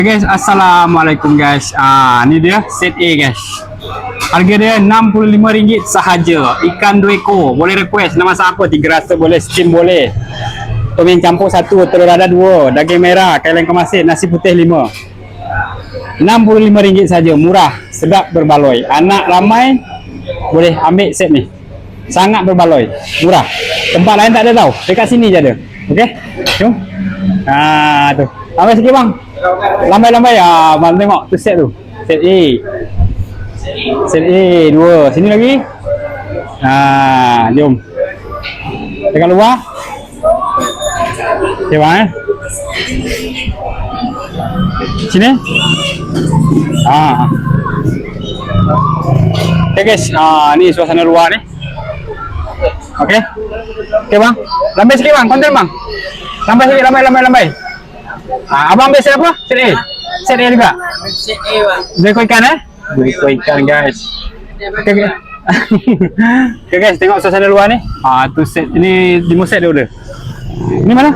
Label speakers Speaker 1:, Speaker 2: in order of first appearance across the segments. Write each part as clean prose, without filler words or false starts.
Speaker 1: Guys, assalamualaikum guys. Ni dia set A guys. Harga dia RM65 sahaja. Ikan 2 ekor. Boleh request nama siapa, 3 rasa boleh, steam boleh. Tom yang campur 1, telur dadah 2, daging merah, kailan kemasin, nasi putih 5. RM65 saja, murah, sedap, berbaloi. Anak ramai boleh ambil set ni. Sangat berbaloi, murah. Tempat lain tak ada tau. Dekat sini je ada. Okey. Jom. Tu. Ambil sikit bang. Lambai-lambai bang tengok tu set tu. Set A. Set A 2. Sini lagi. Jom. Dekat luar. Okey bang. Sini. Okay guys, ni suasana luar ni. Okey. Okey bang. Lambai sikit bang, konten bang. Lambai sikit, lambai. Abang ambil set apa? Set A. Set A juga.
Speaker 2: Set A bang.
Speaker 1: 2 ekor ikan 2 ekor ikan guys. Okey. Okey guys, tengok suasana luar ni. Tu set ni 5 set dia order. Ni mana?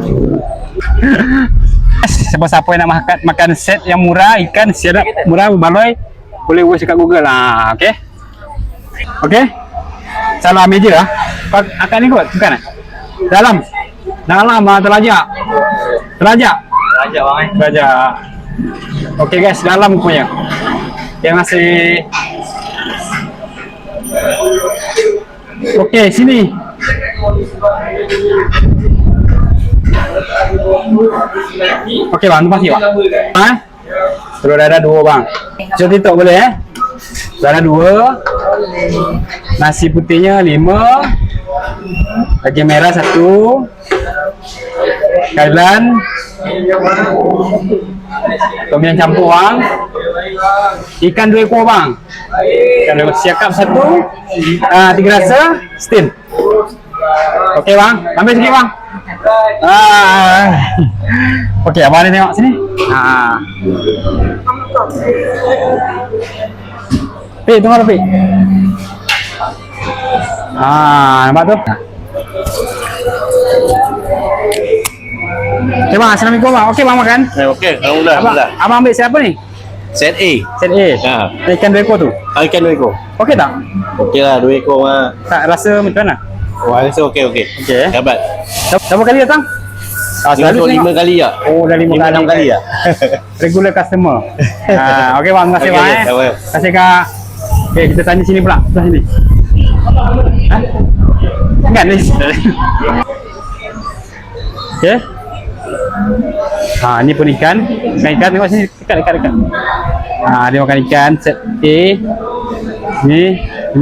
Speaker 1: Siapa-siapa yang nak makan set yang murah, ikan sedap, murah, berbaloi, boleh watch dekat Google lah. Okey. Okey. Salam meja lah. Akak ni kot, bukan? Dalam terlajak. Terlajak bang. Terlajak. Okey guys, dalam punya. Terima kasih. Okey, sini. Okey bang, terima kasih bang. Telur dadah 2 bang. Jom TikTok boleh dadah 2. Nasi putihnya 5. Daging merah 1. Kailan. Tom yang campur bang. Ikan 2 ekor bang. Ikan 2 ekor siakap 1. 3 rasa steam. Okey bang, ambil sikit bang. Okey, abang ni tengok sini. Pik, tengok lah Pik. Nampak tu? Okey bang, assalamualaikum bang. Okey bang makan?
Speaker 2: Okey, alhamdulillah.
Speaker 1: Abang ambil siapa ni?
Speaker 2: Set A.
Speaker 1: Set A? Ikan 2 ekor tu?
Speaker 2: Ikan 2 ekor.
Speaker 1: Okey tak?
Speaker 2: Okey lah, 2 ekor lah.
Speaker 1: Tak rasa macam mana?
Speaker 2: Rasa okey.
Speaker 1: Okey.
Speaker 2: Dapat.
Speaker 1: Berapa kali datang?
Speaker 2: Selalu 5 kali tak?
Speaker 1: Oh, dah 5 kali
Speaker 2: tak?
Speaker 1: Regular customer. Okey bang, terima kasih bang. Terima kasih kak. Okey, kita tanya sini pula. Sebelah sini. Enggak ni. Okey. Ni pun ikan. Ikan tengok sini dekat. Dia makan ikan set A. Ni.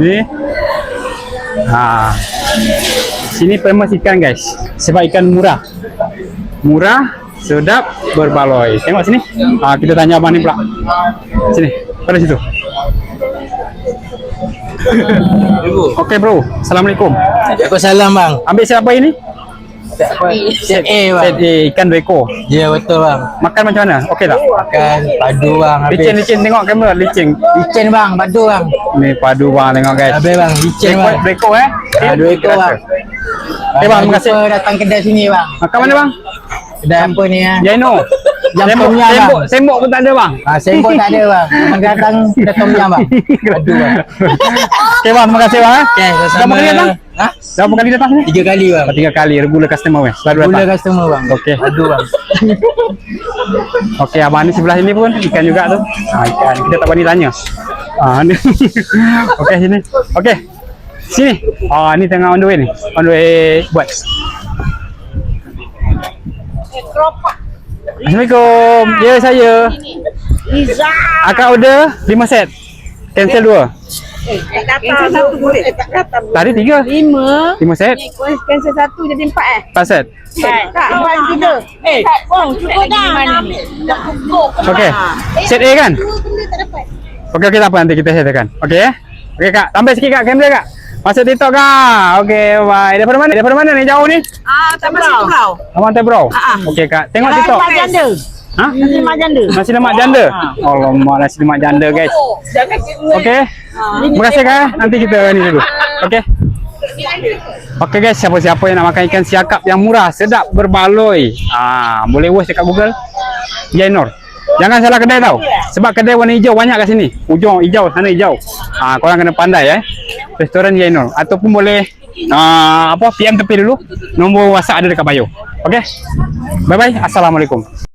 Speaker 1: Sini famous ikan guys. Sebab ikan murah, sedap, berbaloi. Tengok sini. Kita tanya abang ni pula. Sini, pada situ. Okey bro, assalamualaikum.
Speaker 2: Waalaikumsalam bang.
Speaker 1: Ambil siapa ini?
Speaker 2: Set A bang.
Speaker 1: Set A, ikan 2 ekor.
Speaker 2: Ya betul bang.
Speaker 1: Makan macam mana? Okey tak?
Speaker 2: Makan padu bang.
Speaker 1: Licin, tengok kamera, licin.
Speaker 2: Licin bang, padu bang.
Speaker 1: Ni padu bang, tengok guys.
Speaker 2: Habis bang, licin bang.
Speaker 1: 2 ekor
Speaker 2: 2 ekor bang.
Speaker 1: Okey bang, terima kasih.
Speaker 2: Datang kedai sini bang.
Speaker 1: Makan mana bang?
Speaker 2: Kedai apa ni
Speaker 1: Jaino.
Speaker 2: Jam tom yam bang.
Speaker 1: Sembok pun tak ada bang.
Speaker 2: Sembok tak ada bang. Datang kedai tom yam bang. Padu bang.
Speaker 1: Okey bang, terima kasih bang.
Speaker 2: Okey, sama.
Speaker 1: Berapa kali datang? Berapa kali datang sini?
Speaker 2: 3 kali bang.
Speaker 1: 3 kali, regular customer weh. Selalu datang.
Speaker 2: Regular customer bang.
Speaker 1: Okey.
Speaker 2: Padu bang.
Speaker 1: Okey, abang ni sebelah sini pun ikan juga tu. Ikan. Kita tak berani tanya. Ni. Okey, sini. Okey. Sini. Ni tengah on the way ni. On the way buat. Assalamualaikum. Ya, saya.
Speaker 3: Liza.
Speaker 1: Akak order 5 set. Cancel 2.
Speaker 3: Cancel 1 boleh. Tak datang.
Speaker 1: Tadi 3.
Speaker 3: 5.
Speaker 1: 5 set.
Speaker 3: Cancel 1 jadi 4
Speaker 1: 4 set.
Speaker 3: Tak, buat 3. Bang, cukup dah. Dah cukup.
Speaker 1: Okey. Set A kan?
Speaker 3: Dua benda tak dapat.
Speaker 1: Okey, tak apa, nanti kita settlekan. Okey ya? Okey kak, tambah sikit kak, kamera kak. Masuk TikTok kak. Okey, bye. Daripada mana ni jauh ni?
Speaker 3: Tebrau.
Speaker 1: Abang Tebrau. Okey kak, tengok TikTok.
Speaker 3: Nasi lemak janda. Nasi lemak janda.
Speaker 1: Nasi lemak janda. Alamak, nasi lemak janda guys.
Speaker 3: Jangan
Speaker 1: Okey. Terima kasih kak. Nanti kita ni dulu. Okey. Okey guys, siapa-siapa yang nak makan ikan siakap yang murah, sedap, berbaloi, boleh watch dekat Google Jainor. Jangan salah kedai tau. Sebab kedai warna hijau banyak kat sini. Ujung hijau, sana hijau. Korang kena pandai Restoran Jainul. Ataupun boleh PM tepi dulu. Nombor WhatsApp ada dekat bio. Okay. Bye bye. Assalamualaikum.